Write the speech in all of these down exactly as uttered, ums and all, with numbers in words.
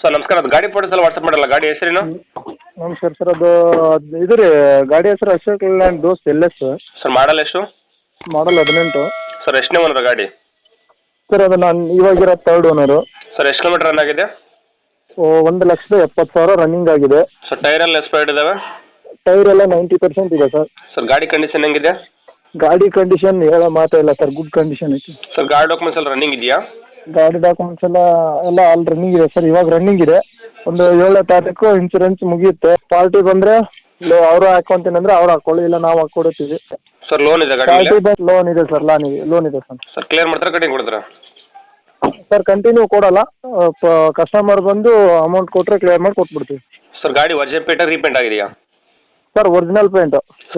Sir ನಮಸ್ಕಾರ, ಅದು ಗಾಡಿ ಫೋಟೋಸ್ ಎಲ್ಲ ವಾಟ್ಸಪ್ ಮಾಡಲ್ಲ, ಗಾಡಿ ಹೆಸರೇನು? ನಮಸ್ಕಾರ ಸರ್, ಅದು ಅದು ಇದು ರೀ ಗಾಡಿ ಹೆಸರು Ashok Leyland Dost L S sir model ಎಷ್ಟು? ಮಾಡಲ್ ಹದಿನೆಂಟು. ಸರ್ ಎಷ್ಟನೇ ಓನರ್ ಗಾಡಿ? ಸರ್ ಅದು ನಾನು ಇವಾಗಿರೋ ತರ್ಡ್ ಓನರು. ಸರ್ ಎಷ್ಟು ಕಿಲೋಮೀಟರ್ ರನ್ ಆಗಿದೆ? ಒಂದು ಲಕ್ಷದ ಎಪ್ಪತ್ತು ಸಾವಿರ ರನ್ನಿಂಗ್ ಆಗಿದೆ. ಸರ್ ಟೈರ್ ಎಲ್ಲ ಎಕ್ಸ್ಪೈರ್ಡ್ ಇದಾವೆ? ಟೈರ್ ಎಲ್ಲ ನೈಂಟಿ ಪರ್ಸೆಂಟ್ ಇದೆ ಸರ್. ಸರ್ ಗಾಡಿ ಕಂಡೀಷನ್ ಹೆಂಗಿದೆ? ಗಾಡಿ ಕಂಡೀಷನ್ ಹೇಳೋ ಮಾತೇ ಇಲ್ಲ ಸರ್, ಗುಡ್ ಕಂಡೀಷನ್ ಐತಿ. ಸರ್ ಗಾಡಿ ಡಾಕ್ಯುಮೆಂಟ್ಸ್ ಎಲ್ಲ ರನ್ನಿಂಗ್ ಇದೆಯಾ? ಗಾಡಿ ಡಾಕ್ಯುಮೆಂಟ್ಸ್ ಎಲ್ಲ ಎಲ್ಲ ಆಲ್ ರನ್ನಿಂಗ್ ಇದೆ ಸರ್, ಇವಾಗ ರನ್ನಿಂಗ್ ಇದೆ. ಒಂದು ಏಳನೇ ತಾರೀಕು ಇನ್ಸೂರೆನ್ಸ್ ಮುಗಿಯುತ್ತೆ. ಪಾರ್ಟಿ ಬಂದರೆ ಅವರು ಹಾಕೊಂತೀನಿ ಅಂದರೆ ಅವ್ರು ಹಾಕೊಳ್ಳಿ, ಇಲ್ಲ ನಾವು ಹಾಕ್ಕೊಡ್ತೀವಿ. ಸರ್ ಲೋನ್ ಇದೆ ಗಾಡಿ? ಪಾರ್ಟಿ ಬಂದು ಲೋನ್ ಇದೆ ಸರ್, ಲಾನ್ ಇದೆ ಲೋನ್ ಇದೆ ಸರ್. ಸರ್ ಕ್ಲಿಯರ್ ಮಾಡ್ತಾರೆ, ಕಟಿಂಗ್ ಕೊಡ್ತೀರಾ? ಸರ್ ಕಂಟಿನ್ಯೂ ಕೊಡಲ್ಲ, ಕಸ್ಟಮರ್ ಬಂದು ಅಮೌಂಟ್ ಕೊಟ್ಟರೆ ಕ್ಲಿಯರ್ ಮಾಡಿ ಕೊಟ್ಬಿಡ್ತೀವಿ. ಸರ್ ಗಾಡಿ ವಜೆ ಪೇಟ ರೀಪೇಂಟ್ ಆಗಿದೆಯಾ? Sir original paint.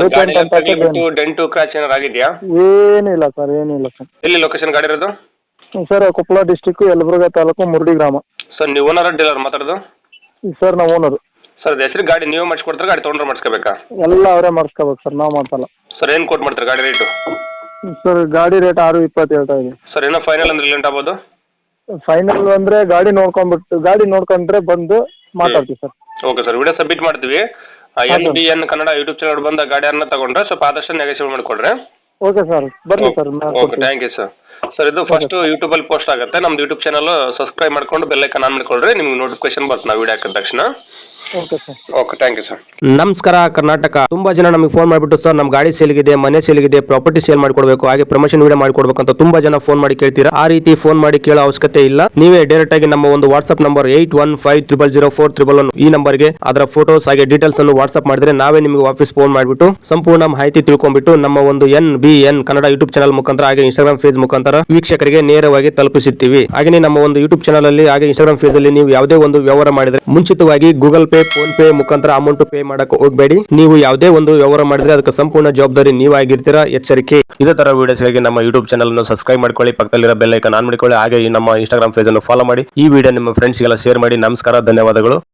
Dent scratch ಏನಾರು ಆಗಿದೆಯಾ? ಏನಿಲ್ಲ ಸರ್, ಏನಿಲ್ಲ ಸರ್. ಎಲ್ಲಿ ಲೊಕೇಶನ್ ಗಾಡಿ ಇರೋದು? ಸರ್ ಕೊಪ್ಪಳ ಡಿಸ್ಟಿಕ್ಕು, ಯಲಬುರ್ಗಾ ತಾಲೂಕು, ಮುರಡಿ ಗ್ರಾಮ. ಸರ್ ನೀವು ಓನರ್ ಡೀಲರ್ ಮಾತಾಡೋದು? ಸರ್ ನಾವು ಓನರು. ಸರ್ ಹೆಸರು ಗಾಡಿ ನೀವೇ ಮಾಡಿಸ್ಕೊಡ್ತಾರೆ, ಗಾಡಿ ತೊಗೊಂಡ್ರೆ ಮಾಡಿಸ್ಕೋಬೇಕಾ? ಎಲ್ಲ ಅವರೇ ಮಾಡಿಸ್ಕೋಬೇಕು ಸರ್, ನಾವು ಮಾಡ್ಸಲ್ಲ. ಸರ್ ಏನು ಕೊಟ್ಟು ಮಾಡ್ತಾರೆ ಗಾಡಿ ರೇಟು? ಸರ್ ಗಾಡಿ ರೇಟ್ ಆರು ಇಪ್ಪತ್ತು ಹೇಳ್ತಾ ಇದೆ. ಸರ್ ಏನೋ ಫೈನಲ್ ಅಂದ್ರೆ ಲೇಟ್ ಆಗ್ಬೋದು? ಫೈನಲ್ ಅಂದರೆ ಗಾಡಿ ನೋಡ್ಕೊಂಡ್ಬಿಟ್ಟು ಗಾಡಿ ನೋಡ್ಕೊಂಡ್ರೆ ಬಂದು ಮಾತಾಡ್ತೀವಿ sir. Okay sir, video submit ಮಾಡ್ತೀವಿ. N B N Kannada YouTube channel ಬಂದ ಗಾಡಿಯನ್ನು ತಗೊಂಡ್ರೆ ಸ್ವಲ್ಪ ಆದಷ್ಟು ನೆಗೋಷಿಯೇಟ್ ಮಾಡಿಕೊಡ್ರಿ. ಓಕೆ ಸರ್, ಬರಲಿ sir. Okay, thank you sir. Sir ಇದು ಫಸ್ಟ್ ಯೂಟ್ಯೂಬಲ್ಲಿ ಪೋಸ್ಟ್ ಆಗುತ್ತೆ, ನಮ್ದು ಯೂಟ್ಯೂಬ್ ಚಾನಲ್ ಸಬ್ಸ್ಕ್ರೈಬ್ ಮಾಡ್ಕೊಂಡು ಬೆಲ್ ಐಕಾನ್ ಆನ್ ಮಾಡ್ಕೊಳ್ರಿ, ನಿಮ್ಗೆ ನೋಟಿಫಿಕೇಶನ್ ಬರುತ್ತೆ ನಾವು ವಿಡಿಯೋ ಹಾಕಿದ ತಕ್ಷಣ. Okay sir. Okay, thank you sir. ನಮಸ್ಕಾರ ಕರ್ನಾಟಕ. ತುಂಬಾ ಜನ ನಮಗೆ ಫೋನ್ ಮಾಡಿಬಿಟ್ಟು ಸರ್ ನಮ್ಮ ಗಾಡಿ ಸೇಲ್ಗಿದೆ, ಮನೆ ಸೇಲ್ಗಿದೆ, ಪ್ರಾಪರ್ಟಿ ಸೇಲ್ ಮಾಡ್ಕೊಡ್ಬೇಕು, ಹಾಗೆ ಪ್ರಮೋಷನ್ ವಿಡಿಯೋ ಮಾಡ್ಕೊಡ್ಬೇಕು ಅಂತ ತುಂಬಾ ಜನ ಫೋನ್ ಮಾಡಿ ಕೇಳ್ತೀರಾ. ಆ ರೀತಿ ಫೋನ್ ಮಾಡಿ ಕೇಳೋ ಅವಶ್ಯಕತೆ ಇಲ್ಲ. ನೀವೇ ಡೈರೆಕ್ಟ್ ಆಗಿ ನಮ್ಮ ಒಂದು WhatsApp number eight one five triple zero four triple one ಈ ನಂಬರ್ಗೆ ಅದರ ಫೋಟೋಸ್ ಹಾಗೆ ಡೀಟೇಲ್ಸ್ ಅನ್ನು ವಾಟ್ಸ್ಆಪ್ ಮಾಡಿದ್ರೆ ನಾವೇ ನಿಮಗೆ ವಾಪಸ್ ಫೋನ್ ಮಾಡಿಬಿಟ್ಟು ಸಂಪೂರ್ಣ ಮಾಹಿತಿ ತಿಳ್ಕೊಂಡ್ಬಿಟ್ಟು ನಮ್ಮ ಒಂದು N B N Kannada YouTube channel ಮುಖಾಂತರ ಹಾಗೆ ಇನ್ಸ್ಟಾಗ್ರಾಮ್ ಫೇಸ್ ಮುಖಾಂತರ ವೀಕ್ಷಕರಿಗೆ ನೇರವಾಗಿ ತಲುಪಿಸುತ್ತೀವಿ. ಹಾಗೆ ನಮ್ಮ ಒಂದು ಯೂಟ್ಯೂಬ್ ಚಾನಲ್ ಅಲ್ಲಿ ಹಾಗೆ ಇನ್ಸ್ಟಾಗ್ರಾಮ್ ಫೇಸ್ ಅಲ್ಲಿ ನೀವು ಯಾವುದೇ ಒಂದು ವ್ಯವಹಾರ ಮಾಡಿದ್ರೆ ಮುಂಚಿತವಾಗಿ ಗೂಗಲ್ ಪೇ, ಫೋನ್ ಪೇ ಮುಖಾಂತರ ಅಮೌಂಟ್ ಪೇ ಮಾಡಕ್ಕೆ ಹೋಗಬೇಡಿ. ನೀವು ಯಾವುದೇ ಒಂದು ವ್ಯವಹಾರ ಮಾಡಿದ್ರೆ ಅದಕ್ಕೆ ಸಂಪೂರ್ಣ ಜವಾಬ್ದಾರಿ ನೀವಾಗಿರ್ತೀರಾ, ಎಚ್ಚರಿಕೆ. ಇದೇ ತರ ವಿಡಿಯೋಸ್ಗಾಗಿ ನಮ್ಮ ಯೂಟ್ಯೂಬ್ ಚಾನಲ್ ಅನ್ನು ಸಬ್ಸ್ಕ್ರೈಬ್ ಮಾಡ್ಕೊಳ್ಳಿ, ಪಕ್ಕದಲ್ಲಿರೋ ಬೆಲ್ ಐಕಾನ್ ಆನ್ ಮಾಡಿಕೊಳ್ಳಿ, ಹಾಗೆ ನಮ್ಮ ಇನ್ಸ್ಟಾಗ್ರಾಮ್ ಪೇಜ್ ಅನ್ನು ಫಾಲೋ ಮಾಡಿ. ಈ ವಿಡಿಯೋ ನಿಮ್ಮ ಫ್ರೆಂಡ್ಸ್ಗೆಲ್ಲ ಶೇರ್ ಮಾಡಿ. ನಮಸ್ಕಾರ, ಧನ್ಯವಾದಗಳು.